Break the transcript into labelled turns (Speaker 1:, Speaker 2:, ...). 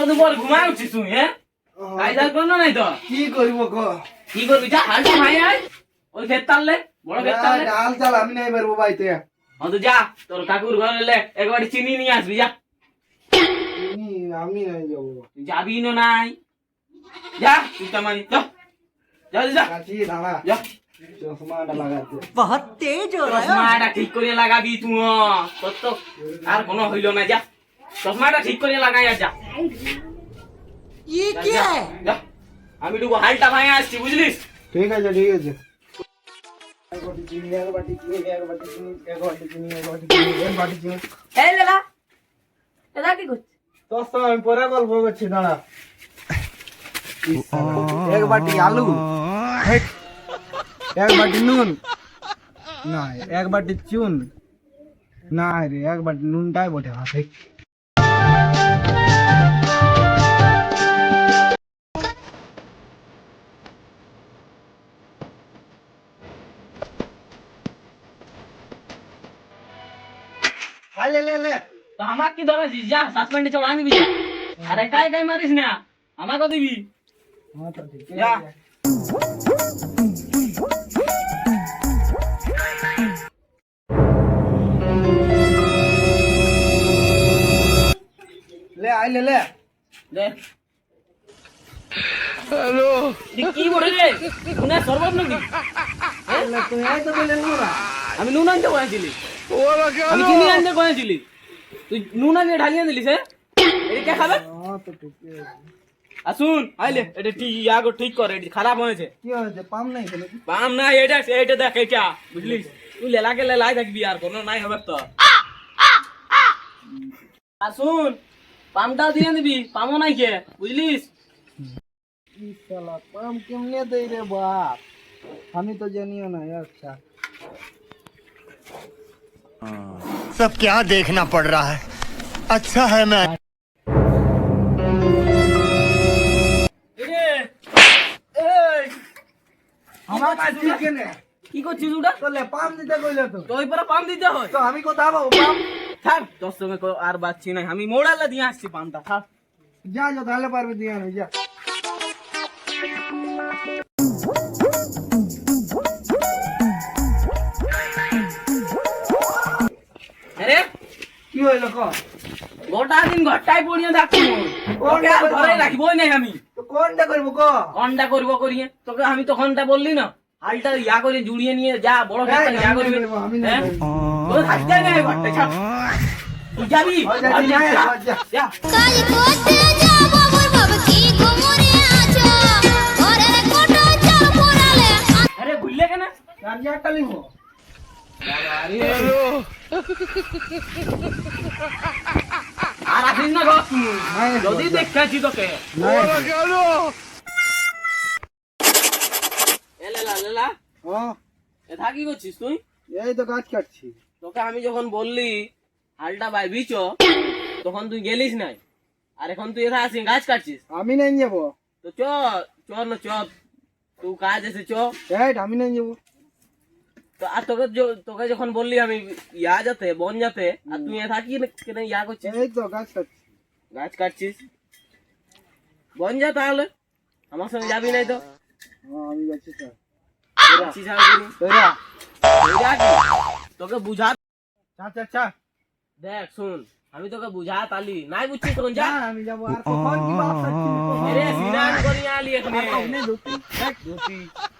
Speaker 1: দুপুর ঘুমায় উঠিস তুই হ্যাঁ কাজ আর করলো নাই তো
Speaker 2: কি করব ক
Speaker 1: কি করবি যা হালটা ভাই আয় ওই ক্ষেত তাললে বড় ক্ষেত তাললে
Speaker 2: ডাল চাল আমি নাই পারবো বাইতে
Speaker 1: তো যা তোর কাকুর ঘরে এলে একবার চিনি নিয়ে আসবি যা
Speaker 2: আমি নাই যাব
Speaker 1: তুই যাবি না নাই যা তুই তামানি যা যা যা
Speaker 2: কাছি দাঁড়া
Speaker 1: যা
Speaker 2: চশমাটা লাগাতে
Speaker 3: बहुत तेज हो रहा है
Speaker 1: চশমাটা ঠিক করে লাগাবি তুই তোর তো আর কোনো হইল না যা চশমাটা ঠিক করে লাগাই আর যা
Speaker 3: ये
Speaker 1: যা,
Speaker 3: क्या
Speaker 1: যা,
Speaker 3: है
Speaker 1: যা। আমি টুকু হালটা ভাই আসছি বুঝলিস
Speaker 2: ঠিক আছে ঠিক আছে এক বাটি চিনি এক বাটি চিনি এক বাটি চিনি এক বাটি চিনি এক বাটি চিনি এক বাটি চিনি
Speaker 4: এই লেলা এটা কি করছিস
Speaker 2: তোর তো আমি পরে গল্প করছি দাঁড়া এক বাটি আলু হেট, এক বাটি নুন না এক বাটি চুন না রে এক বাটি নুনটাই বটে হাতে ले ले ले
Speaker 1: তো আমার কি ধরেছিস যা সাসপেন্ডে চল আনবি যা আরে কাই কাই মারিস না আমাকে দিবি
Speaker 2: हाँ तो ठीक है
Speaker 1: যা
Speaker 2: ले आई ले ले
Speaker 1: দে হ্যালো কি বলে রে কোনে সর্বত নাকি
Speaker 2: ले तू आई तो बोले नूरा
Speaker 1: আমি নুন আনতে কয়েছিলি আমি চিনি আনতে কয়েছিলি তুই নুন আনিয়ে ঢালিয়ে দিলিস হ্যাঁ এটা কে খাবে
Speaker 2: हाँ तो ठीक है
Speaker 1: আসুন আইলে এটা ঠিক ইয়াগো ঠিক করে এটা খারাপ হয়েছে
Speaker 2: কি হয়েছে পাম নাই কেন
Speaker 1: পাম না এটা এটা দেখ এটা বুঝলিস তুই লেলাকে লেলাই থাকবি আর কোনো নাই হবে তো আসুন পামটা দিয়ে দিবি পামও নাই কে বুঝলিস
Speaker 2: ई साला पाम केमने दे रे बाप हमें तो जानियो ना अच्छा
Speaker 5: सब क्या देखना पड़ रहा है अच्छा है मैं
Speaker 1: এরে এই
Speaker 2: আমার পাস ঠিক কেনে
Speaker 1: কি করছিস ওটা
Speaker 2: তো ले पाम দিতে কইলে তো
Speaker 1: তো ওই পরে পাম দিতে হয়
Speaker 2: তো আমি কোথা পাবো পাম
Speaker 1: থাক তোর সঙ্গে আর বাচ্চি নাই আমি মোড়ালে দিয়ে আসছি পামটা থাক
Speaker 2: যা যা তাহলে পারবি দিয়া না যা
Speaker 1: আরে
Speaker 2: কি হইলো ক
Speaker 1: গোটা দিন ঘরটাই পড়িয়ে থাকছি ওকে আর ঘরে রাখবই নাই আমি
Speaker 2: তো কোনটা করব ক
Speaker 1: ঘন্টা করবো করিয়ে তোকে আমি তো ঘন্টা বললি না হালটা ইয়া করে জুড়িয়ে নিয়ে যা বড় ক্ষেত্রে
Speaker 2: এই,
Speaker 1: ইয়া
Speaker 2: আমি
Speaker 1: করবি
Speaker 2: নাই করবো, আমি নাই
Speaker 1: হ্যাঁ?
Speaker 2: করবো।
Speaker 1: তোর থাকতে নাই ঘরটা ছাড় তুই যাবি
Speaker 2: যা,
Speaker 1: ঘর
Speaker 2: যা,
Speaker 1: যা,
Speaker 2: যা।
Speaker 1: যা।
Speaker 6: কাল করতে যাব মোর বাবা কি ঘুমরে আছো ঘরের কোটো চাল পোড়ালে
Speaker 1: আরে ভুললে কেন
Speaker 2: চার্জারটা লিখো
Speaker 1: আর আসিস না ঘর তুই
Speaker 2: নাই,
Speaker 1: যদি
Speaker 2: যা।
Speaker 1: দেখেছি তোকে এ লেলা লেলা
Speaker 2: হ্যাঁ
Speaker 1: এটা কি করছিস তুই
Speaker 2: এই তো গাছ কাটছি
Speaker 1: তোকে আমি যখন বললি হালটা বাইবিছ তখন তুই গেলিস নাই আর এখন তুই এখানে আসিস গাছ কাটছিস
Speaker 2: আমি নাই যাব
Speaker 1: তো চ না চ তুই কাজ এসে চ
Speaker 2: এই আমি নাই যাব
Speaker 1: তো আর তোকে যখন বললি আমি ইয়া যাতে বন যাতে আর তুই এ থাকি কেন ইয়া করছিস
Speaker 2: এই তো গাছ কাটছি
Speaker 1: গাছ কাটছিস বন যা তাহলে আমার সঙ্গে যাবি নাই তো
Speaker 2: হ্যাঁ আমি যাচ্ছি স্যার
Speaker 1: যাচ্ছিস আর কি?
Speaker 2: তোরা
Speaker 1: ওইটা কি? তোকে বুঝা
Speaker 2: চা চা চা
Speaker 1: দেখ শুন আমি তোকে বুঝা তালি নাই বুঝছিস তখন যা
Speaker 2: যা আমি যাব আর কখন কি বাপ
Speaker 1: এরে সিনান করিয়া আলি এখানে
Speaker 2: ধুতি
Speaker 1: ধুতি